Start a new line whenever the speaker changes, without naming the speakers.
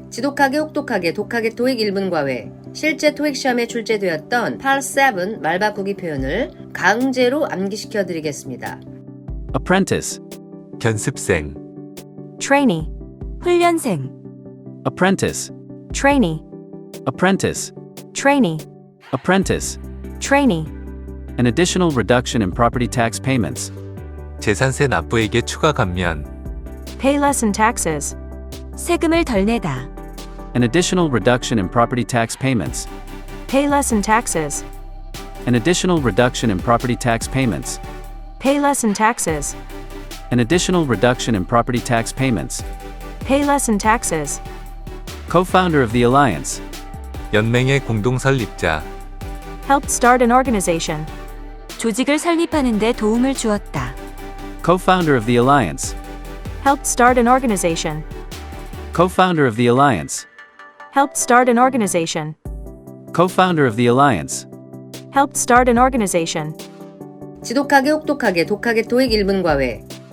지독하게 혹독하게 독하게 토익 1분 과외. 실제 토익 시험에 출제되었던 Part 7 말 바꾸기 표현을 강제로 암기시켜 드리겠습니다.
apprentice,
견습생,
trainee, 훈련생,
apprentice,
trainee,
apprentice,
trainee,
apprentice.
trainee,
An additional reduction in property tax payments.
재산세 납부액의 추가 감면,
pay less in taxes, 세금을 덜 내다,
An additional reduction in property tax payments.
pay less in taxes,
An additional reduction in property tax payments.
pay less in taxes,
An additional reduction in property tax payments.
pay less in taxes,
Co-founder of the alliance.
연맹의 공동 설립자,
helped start an organization, 조직을 설립하는 데 도움을 주었다,
Co-founder of the alliance.
helped start an organization,
Co-founder of the alliance.
helped start an organization,
Co-founder of the alliance.
helped start an organization,
지독하게 혹독하게 독하게 토익 1분 과외.